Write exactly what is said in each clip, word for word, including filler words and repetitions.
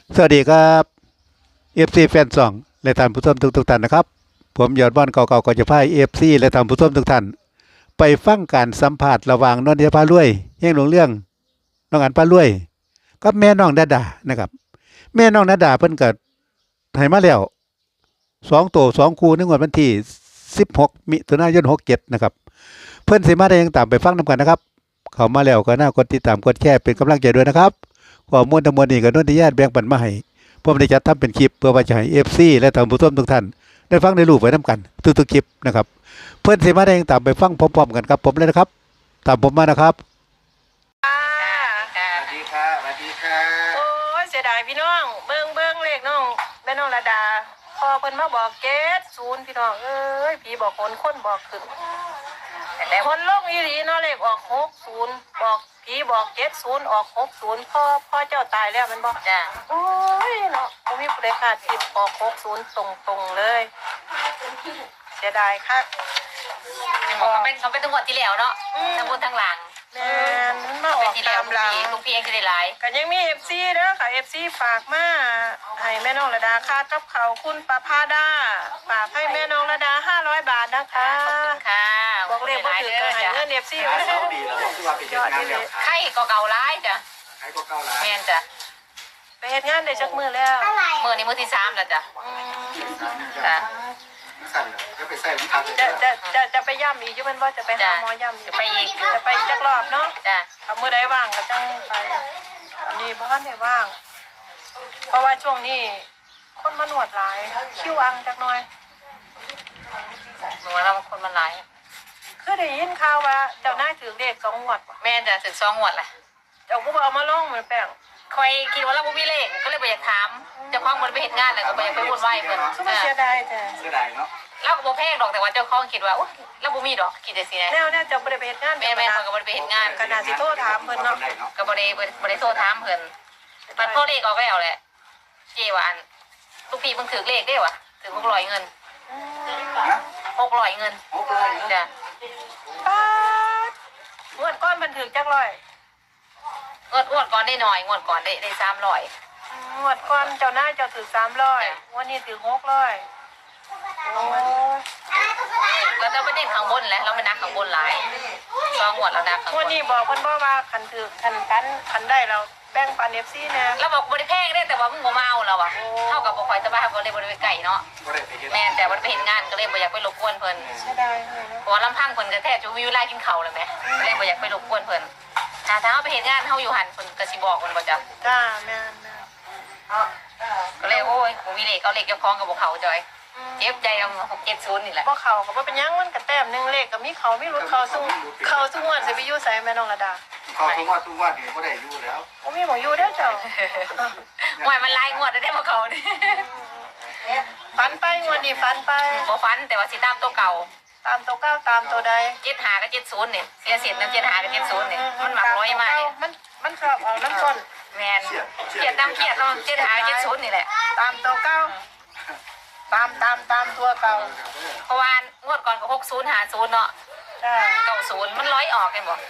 สวัสดีครับ เอฟ ซี แฟนซองและท่านผู้ชมทุกทุกท่านนะครับผมยอดบ้านเก่าๆก็จะพา เอฟ ซี และท่านผู้ชมทุกท่านไปฟังการสัมภาษณ์ระหว่างนนทยาพารวยเฮงหลวงเรื่องน้องอันพารวยกับแม่น้องดาดานะครับแม่น้องดาดาเพิ่นก็ให้มาแล้วสองตัวสองคู่ในงวดวันที่สิบหกมิถุนายนหกเจ็ดนะครับเพิ่นสิมาได้ยังตามไปฟังนํกันนะครับเข้ามาแล้วก็น่ากดติดตามกดแชร์เป็นกำลังใจด้วยนะครับข้อมูลทั้งหมดนี้ก็นนทยาแบ่งปันมาให้ผมได้จัดทำเป็นคลิปเพื่อว่าจะให้ เอฟ ซี และท่านผู้ชมทุกท่านได้ฟังได้รู้ไปนํกันทุกๆคลิปนะครับเพิ่นสิมาได้ยังตามไปฟังพร้อมๆกันครับผมเลยนะครับตามผมมานะครับค่ะสวัสดีค่ะสวัสดีค่ะโอ้ยเสียดายพี่น้องเบิ่งเบิ่งเลขน้องแม่น้องระดาพอเพิ่นมาบอกเกตศูนย์พี่น้องเอ้ยผีบอกคนคนบอกขึ้นแต่คนลงอีหลีเนาะเลขออกหกศูนย์บอกผีบอกเกตศูนย์ออกหกศูนย์พ่อพ่อเจ้าตายแล้วมันบอกจ้ะโอ้ยเนาะบ่มีผู้ใดคาดคิดออกหกศูนย์ตรงๆเลยเสียดายค่ะเขาเป็นเขาเป็นทั้งหมดที่แล้วเนาะทั้งบนทั้งหลังแม่นมันมาอเป็อน กที่แล้ตาว มทุกหลังปีทุกปีเองจะได้หลายก็ยังมี เอฟ ซี เด้อค่ะ เอฟ ซี ฝากมาให้แม่น้องระดาค่ากับเขาวคุณประภาดาฝากให้แม่น้องระดาห้าร้อยบาทนะคะขอบคุณค่ะบอกเลขบ่ถือก็ให้เงิน เอฟ ซี ไว้เสาดีแล้วคือว่าไปเฮ็ดงานแล้วค่ะไข่ก็เก่าร้ายจ้ะใครก็เก้าล้านแม่นจ้ะไปเฮ็ดงานได้จักมื้อแล้วมือนี้มือที่สามแล้วจ้ะอืมจ้ะสั่นเลยก็ไปใส่ลิ้นทักเลยจะจะจะจะไปย่ำอีกอยู่มันว่าจะไปหาหมอย่ำอีกจะไปอีกจะไปอีกจักรอบเนาะจ้ะถ้ามื้อใดว่างก็จังไปอันนี้บ่ทันได้ว่าง เพราะว่าช่วงนี้คนมาหนวดหลายคิวอังจักหน่อยหนูว่าเราคนมันหลายคือได้ยินข่าวว่าเจ้านายถือเลขสองงวดว่ะแม่นจ้ะถึงสองหวดแหละเจ้ากูบอกเอามาลงเหมือนแป้งคอยคิดว่าเราบ่มีเลขก็เลยไปอยากถามเจ้าของมันไปเห็นงานแล้วก็ไปอยากไปวุ่นวายเพิ่นคือมันเสียดายแต่เสียดายเนาะเราก็บ่แพงดอกแต่ว่าเจ้าของคิดว่าอุ๊ยเราบ่มีดอกคิดจังซี่นะแนวแนวเจ้าบ่ได้ไปเฮ็ดงานแม่แม่เขาก็บ่ได้ไปเฮ็ดงานขนาดสิโทรถามเพิ่นเนาะก็บ่ได้บ่ได้โทรถามเพิ่นมันโทรเลขออกแล้วแหละเจว่าอันลูกพี่มึงถือเลขได้วะถือหกร้อยเงินนะหกร้อยเงินหกร้อยจ้ะป๊าดงวดก้อนมันถึงจักร้อยงวดงวดก่อนได้หน่อยงวดก่อนได้ได้สามร้อยงวดก้อนเจ้านายเจ้าถึงสามร้อยงวดนี้ถึงหกร้อยโอ้ยแล้วเราไม่ได้ข้างบนแหละเราไม่นักข้างบนหลายสองงวดเรานักข้างงบวดนนี้บอกเพิ่นบ่ว่าคันถึกคันกันคันได้เราแบ่งปัน เอฟ ซี แน่เราบอกบริแพงได้แต่ว่ามึงบ่มาเอาเราอะเท่ากับบ่คอยสบายบ่ได้บ่ได้ไปไก่เนาะก็ได้ไปเฮ็ดแม่นแต่บ่ได้ไปเห็นงานก็เลยบ่อยากไปรบกวนเพิ่นเสียดายเลยเนาะเพราะว่าลำพังเพิ่นก็แทบจะมีเวลากินข้าวเลยแหมก็เลยบ่อยากไปรบกวนเพิ่นถ้าถ้าเฮาไปเห็นงานเฮาอยู่หันเพิ่นก็สิบอกเพิ่นบ่จ้ะจ้าแม่นแม่นก็เลยโอ้ยบ่มีเลขเอาเลขเจ้าของก็บ่เข้าจอยเจ็บใจเอาหกเจ็ดศูนย์นี่แหละบ่เข้าก็บ่เป็นหยังมันก็แต้มหนึงเลขก็มีเขามีรุดเขาสู้เขาสู้งวดสิไปอยู่ไสแม่น้องระดาเขาทุกว่าทุกว่านี่ก็ได้อยู่แล้วบ่มีหมองอยู่เด้อเจ้าหวยมันลายงวดได้บ่เข้านี่ฟันไปงวดนี้ฟันไปบ่ฟันแต่ว่าสิตามตัวเก่าตามตัวเก้าตามตัวใดเจ็ดหากับเจ็ดศูนย์เนี่ยเสียสิทธิ์นะเจ็ดหากับเจ็ดศูนย์เนี่ยมันหมักร้อยมากเนี่ยมันมันชอบเอาน้ำก้นแมนเกียดน้ำเกียดเนาะเจ็ดหากับเจ็ดศูนย์นี่แหละตามตัวเก้าตามตามตามตัวเก่าเพราะว่างวดก่อนก็หกศูนย์หาศูนย์เนาะจ้าเก้าศูนย์มันร้อยออกกันบ่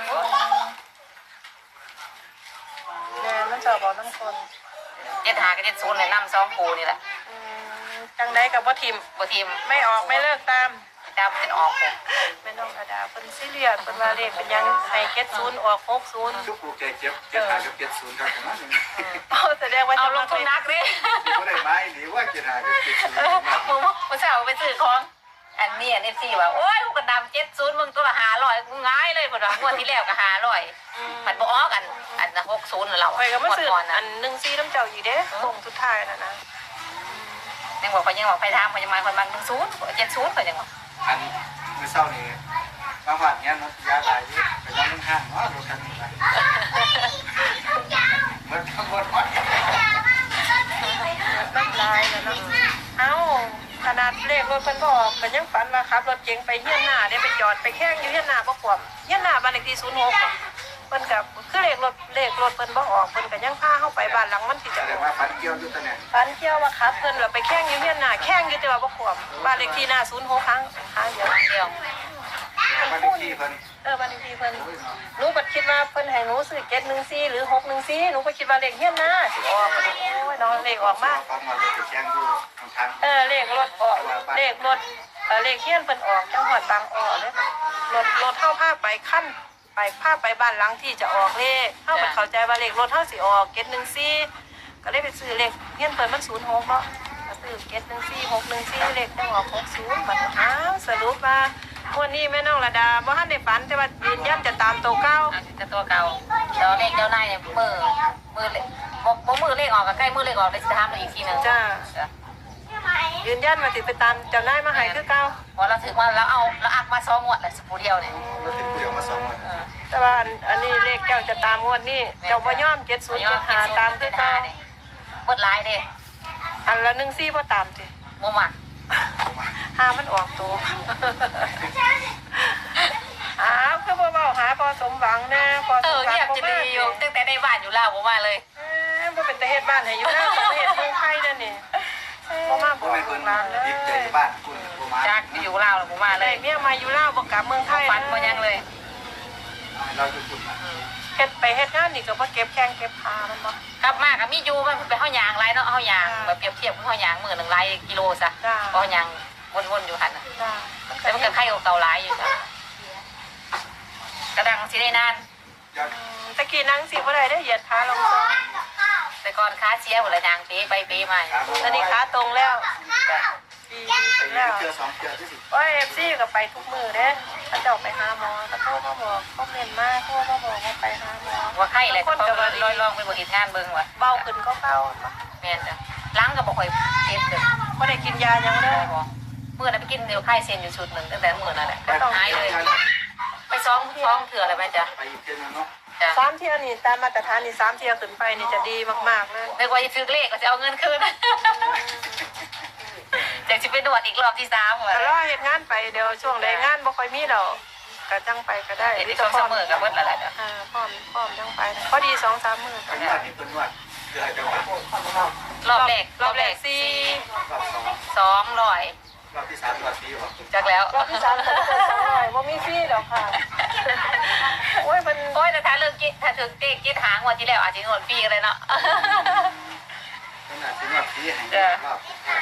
แม่มันชอบเอาน้ำก้นเจ็ดหากับเจ็ดศูนย์เลยนำสองคูนี่แหละอืมจังใดกับว่าทิมบ่ทีมไม่ออกไม่เลิกตามดาวเป็นออกเลยแม่น้องกระดาเพิ่นซีเรียสเพิ่นว่าเลขเป็นหยังให้เก็ดศูนย์ออกหกศูนย์ทุกผู้แก่เจ็บเจ็บหากับเจ็ดศูนย์ครับนะเอาแสดงว่าเอาจะลงทุนนักเลยก็ได้ไม้หรือว่าเจ็ดหากับเจ็ดศูนย์มึงมึงสาวไปซื้อของอันนี้อันนี้สี่ว่าโอ้ยกูกระดำเจ็ดศูนย์มึงตัวละหาร้อยกูง่ายเลยพอดงวดที่แล้วก็หาร้อยผัดบ่ออกกันอันหกศูนย์เราไปก็มาซื้อก่อนอันะนหนึ่งซีน้ำเจ้าอยู่เด้ส่งสุดท้ายน่ะนะยังบอกเขายังบอกไปทำเขาจะมาคนบางหนึ่งศูนย์เจ็ดศูนย์เขายังบอกอันเมื่อเช้านี้มาผ่านเงี้ยนะยาลายไปนอนห้างเนาะรถคันนี้ไปมันทั้งหมดวัดน้ำลายแล้วเนาะเอ้าขนาดเลขรถเพิ่นบ่ออกก็ยังฝันว่าขับรถเก๋งไปเฮียนหน้าได้ไปจอดไปแข่งอยู่เฮียนหน้าบ่ขวบเฮียนหน้าบ้านเลขที่ศูนย์หกอะเพิ่นก็คือเลขรถเลขรถเพิ่นบ่ออกเพิ่นก็ยังพาเฮาไปบ้านหลังมันสิจะแต่ออกว่าฟันเกี่ยวอยู่ตอนนี้ฝันเที่ยวว่าขับเพิ่นแล้วไปแข่งอยู่เฮียนหน้าแข่งอยู่แต่ว่าบ่ขวบบ้านเลขที่หน้าศูนย์หกครั้งครั้งเดียวเดียวก็บ้านเลคู่ขที่เพิ่นเออบ้านเลขที่เพิ่นโอ้ยเนาะหนูบัดคิดว่าเพิ่นให้หนูซื้อเจ็ดหนึ่งสี่หรือหกหนึ่งสี่หนูก็คิดว่าเลขเฮียนนะสิออกโอ้ยน้องเลขออกมาฟังมาเลยจะแจ้งอยู่ทางเออเลขรถออกเลขรถเออเลขเฮียนเพิ่นออกจังหวัดบางอ้อเลยรถรถเท่าภาพไปขั้นไปภาพไปบ้านหลังที่จะออกเลขเท่าไปเข้าใจว่าเลขรถเท่าสิออกเจ็ดหนึ่งสี่ก็เลยไปซื้อเลขเฮียนเพิ่นมันศูนย์หกเนาะก็ซื้อเจ็ดหนึ่งสี่หกหนึ่งสี่เลขจังออกหกศูนย์บัดอ้าวสรุปว่าวันนี้แม่น้องระดาบ่ทันได้ฝันแต่ว่ายืนยันจะตามตัวเก้าอันนี้จะตัวเก่าแล้วเลขเจ้านายเนี่ยมือมือเลขบอกบอกมือเลขออกกับใกล้มือเลขออกเลยจะทำเราอีกทีหนึ่งจ้ายืนยันมาติไปตามเจ้านายมาให้คือเก้าพอเราถึงว่าเราเอาเราอักมาซ้อมหมดเลยสปูเดียวเนี่ยๆเราถึงผู้เดียวมาสองวันแต่ว่าอันอันนี้เลขเจ้าจะตามงวดนี้เจ้าบ่ยอมเจ็ดศูนย์เจ็ดห้าตามคือเก้าเบิดลายเด้อันละหนึ่งสี่บ่ตามสิโมมักหามันออกตัวอ้าวคือบ่เว้าหาพอสมหวังแน่พอเอสอมหวังเงียบจะดีอยู่ตั้งแต่ในบ้านอยู่แล้วผมมาเลยเอ้ยบ่เป็นตาเฮ็ดบ้านให้อยู่แล้วประเทศเมืองไทยนั่นนี่บ่มาบผู้อกเป็นลูเพิ่นกหลานเลยยิบใจบ้านคุณผู้มาจากอยู่ลาวผมมาเลได้ยเมียมาอยู่ลาวบ่กลับเมืองไทยฟันมายังเลยเราอยู่คุณนะเฮ็ดไปเฮ็ดงานนี่ก็บ่เก็บแข้งเก็บขามันบ่กลับมากับมีอยู่มันไปเข้ายางไรเนาะเข้ายางแบบเปรียบเทียบเข้ายางมือหนึ่งไรกิโลซะเข้ายางวนๆอยู่หันจ้าแต่มันก็ไข่เก่าหลายอยู่จ้ะกระดังสิได้นานยอดตะกี้นั่งสิบ่ได้ได้เหยียดขาลงซะแต่ก่อนค้าเสียหมดเลยนางเป๊ไปเป๊มาตอนนี้ขาตรงแล้วดีไปแล้วเจอสองเจอที่สิว่าเอฟซีก็ไปทุกมือเด้ถ้าเจ้าไปหาหมอถ้าโทรมาบอกก็เมนมากโทรมาบอกว่าไปหาหมอว่าไข่เลยเขาลอยลองไปบริหารงานเบิ้งว่ะเบาขึ้นก็เบาแม่นจ้ะล้างกับบ่ค่อยเจ็บเลยไม่ได้กินยายังเลยเมื่อนั้นไปกินเดียวไข่เซนอยู่ชุดหนึ่งตั้งแต่เมื่อนั้นแหละหายเลย ไปซ้อมซ้อมเถื่ออะไรไหมจ๊ะไปอีกเทื่อนึงเนาะจ้ะสามเที่ยวนี่ตามมาตรฐานนี่สามเที่ยวขึ้นไปนี่จะดีมากๆเลยนึกว่าจะซื้อเลขก็จะเอาเงินคืนอยากจะไปนวดอีกรอบที่สามว่ะแต่รอเหตุงานไปเดี๋ยวช่วงใดงานบ่ค่อยมีเราก็จังไปก็ได้เดี๋ยวที่ซ้อมเสมอกับเบิ้ลละแหละจ้ะอ่าพร้อมพร้อมจังไปพอดีสองสามมือไปนวดนี่เป็นนวดเพื่อให้จังหวะรอบแรกรอบแรกสี่รอบสองสองร้อยรอบที่สามรอบที่หกจากแล้วรอบที่สามก็จะสองร้อยว่ามีฟรีหรอกค่ะโอ้ยมันโอ้ยแต่ถ้าเรื่องกินถ้าถึงเต๊กินหางวันที่แล้วอาจจะงดปีกันเลยเนาะขนาดที่นวดที่ให้รอบใช่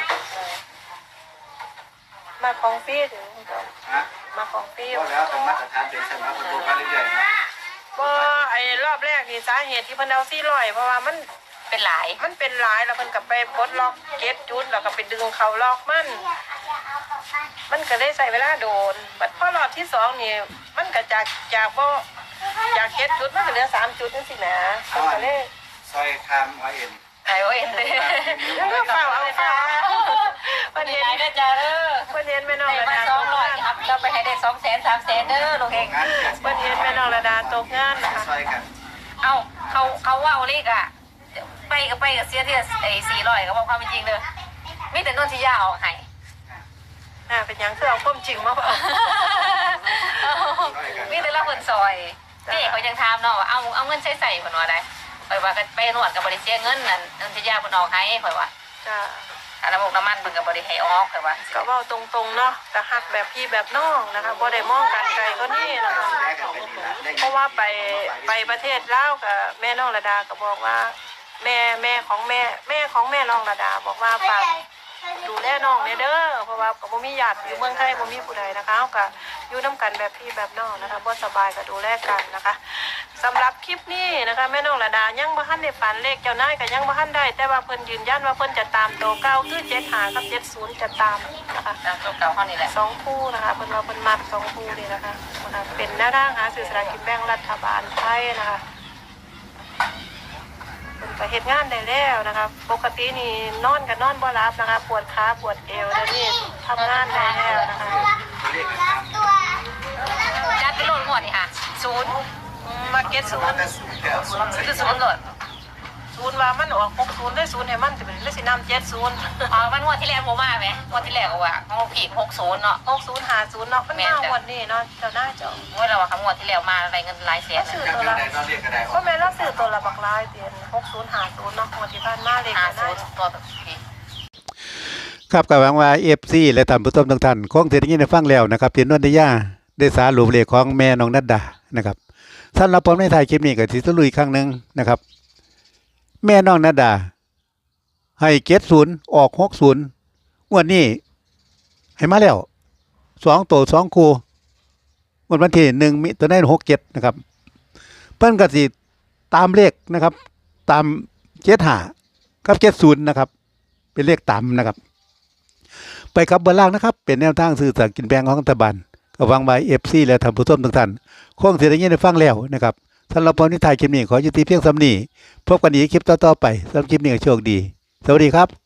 มาของฟรีถึงเจ้าฮะมาของฟรีก็แล้วแต่มาตรฐานเป็นสำหรับคนดูมาเรื่อยๆนะบ่ไอ้รอบแรกนี่สาเหตุที่เพิ่นเอาสี่ร้อยเพราะว่ามันเป็นหลายมันเป็นหลายแล้วเพิ่นก็ไปปลดล็อกเก็ตจุดแล้วก็ไปดึงเขาล็อกมัน มันก็ได้ใส่เวลาโดนบัดพอรอบที่สองนี่มันก็จากจากบ่จากเก็ตจุดมันก็เหลือสามจุดจังซี่นะเพิ่นก็เลยซอยคามไอเอ็นไอโอเอ็นเลยยังก็เฝ้าเอาเฝ้าเพิ่นดีเห็นใจนะจ๊ะเด้อเพิ่นเห็นแม่น้องได้ระมาดาสองร้อยครับเราไปให้ได้สองแสนสามแสนเด้อลูกเองงานเกิดเพิ่นเห็นแม่น้องระดาตกงานนะคะซอยกันเอาเขาเขาว่าเอาเลขอ่ะไปก็ไปกับเสียที่ไอ้สี่ร้อยก็บอกความเป็นจริงเด้อมีแต่นนทิยาออกให้อ่าเป็นหยังคือเอาความจริงมาบอกมีแต่ละคนซอยนี่เขายังถามเนาะว่าเอาเอาเงินใช้ใส่คนว่าได้ข่อยว่าก็ไปนวดกับบริเสียเงินนั่นนนทิยาคนออกให้ข่อยว่าจ้าอันน้ำมันน้ำมันเพิ่นกับบริให้ออกข่อยว่าก็เว้าตรงๆเนาะแต่ฮักแบบพี่แบบน้องนะคะบ่ได้มองกันไกลก็นี่นะคะแลกกันไปดีละได้เพราะว่าไปไปประเทศลาวกับแม่น้องระดาก็บอกว่า แม่แม่ของแม่แม่ของแม่น้องระดา บอกว่าฝากดูแลน้องเนี่ยเด้อเพราะว่าก็บ่มีญาติอยู่เมืองไทยบ่มีผู้ใดนะคะเฮาก็อยู่นํกันแบบพี่แบบน้องนะคะบ่สบายก็ดูแลกันนะคะสำหรับคลิปนี้นะคะแม่น้องระดายังบ่ทันได้ฝันเลขเจ้านายก็ยังบ่ทันได้แต่ว่าเพิ่นยืนยันว่าเพิ่นจะตามโตวเก้าคือเจ็ดห้ากับเจ็ดศูนย์จะตามนะคะตามตัวเก่าห้องนี่แหละสองคู่นะคะเป็นว่าเป็นมัดสองคู่นี่นะคะนะคะเป็นแนวทางหาสื่อสลารกินแบ่งรัฐบาลไทยนะคะเป็นไปเหตุงานได้แล้วนะคะ ปกตินี่นอนกับนอนบ่รับนะคะ ปวดขาปวดเอวแล้วนี่ทำงานได้แล้วนะคะเรียกกันตามจัดไปโหลดหมดนี่ค่ะศูนย์มาเก็ตศูมันนย์จะสูงแก้วสูงคือศูนย์โหลดศูนย์ว่ามันออกหกศูนย์ได้ศูนย์ให้มันจะเป็นได้สินำเจ็ดศูนย์อ๋อมันงวดที่แล้วโมมาไหมงวดที่แล้วก็ว่าของผีหกศูนย์เนาะหกศูนย์หาศูนย์เนาะมันมาหมดนี่เนาะเจ้าหน้าเจ้าเมื่อเราว่าคำงวดที่แล้วมาอะไรเงินหลายแสนสื่อจากตัวนั้นละได้เราเรียกกันได้ก็แม่เราสื่อตัวละบักลายเตียนหกศูนย์หาศูนย์เนาะงวดที่ผ่านมาเลยห้ากันศูนะนย์ตัวแบบผีครับกับหวังว่า เอฟ ซี และท่านผู้ชมทุกท่านคงจะได้ยินได้ฟังแล้วนะครับที่นนทิยาได้สารุปเลขของแม่น้องนัดดานะครับสำหรับผมในถ่ายคลิปนี้ก็สิสรุปอีกครั้งหนึงนะครับ แม่น้องนัดดาให้เจ็ดศูนย์ออกหกศูนย์งวดนี้ให้มาแล้วสองตัวสองคู่งวดวันที่หนึ่งมิถุนายนหกเจ็ดนะครับเพิ่นก็สิตามเลขนะครับ ตามเจ็ดห้ากับเจ็ดศูนย์นะครับ เป็นเลขต่ำนะครับ ไปครับเบอร์ล่างนะครับ เป็นแนวทางสื่อสารกินแบงของรัฐบาลก็วางไว้เอฟซีและท่านผู้ชมทุกท่านคงเสียได้ยินได้ฟังแล้วนะครับสำหรับผมที่ถ่ายคลิปนี้ขอยุติเพียงสำนี้พบกันอีกคลิปต่อๆไปสำหรับคลิปนี้ก็โชคดีสวัสดีครับ